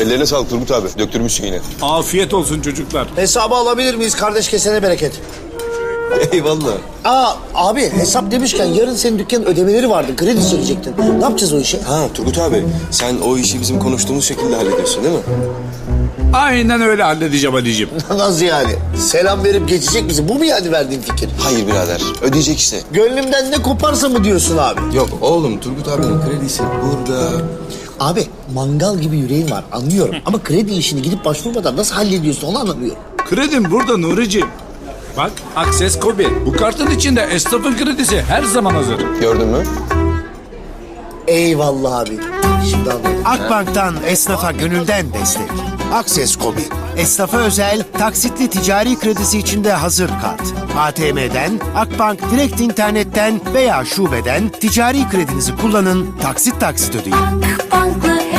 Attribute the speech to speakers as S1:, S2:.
S1: Ellerine sağlık Turgut abi. Döktürmüşsün yine.
S2: Afiyet olsun çocuklar.
S3: Hesabı alabilir miyiz? Kardeş kesene bereket.
S1: Eyvallah.
S3: Abi hesap demişken yarın senin dükkanın ödemeleri vardı. Kredi çekecektin. Ne yapacağız o işi?
S1: Ha Turgut abi sen o işi bizim konuştuğumuz şekilde hallediyorsun değil mi?
S2: Aynen öyle halledeceğim Ali'ciğim.
S3: Nasıl yani? Selam verip geçecek misin? Bu mu yani verdiğin fikir?
S1: Hayır birader ödeyecek işte.
S3: Gönlümden ne koparsa mı diyorsun abi?
S1: Yok oğlum Turgut abinin kredisi burada.
S3: Abi mangal gibi yüreğin var anlıyorum. Ama kredi işini gidip başvurmadan nasıl hallediyorsun onu anlamıyorum.
S2: Kredim burada Nuri'ciğim. Bak Akses Kobi. Bu kartın içinde esnafın kredisi her zaman hazır.
S1: Gördün mü?
S3: Eyvallah abi. Şimdi anladım.
S4: Akbank'tan esnafa gönülden destek. Akses Kobi. Esnafa özel taksitli ticari kredisi içinde hazır kart. ATM'den, Akbank direkt internetten veya şubeden ticari kredinizi kullanın, taksit ödeyin.
S5: Akbank'la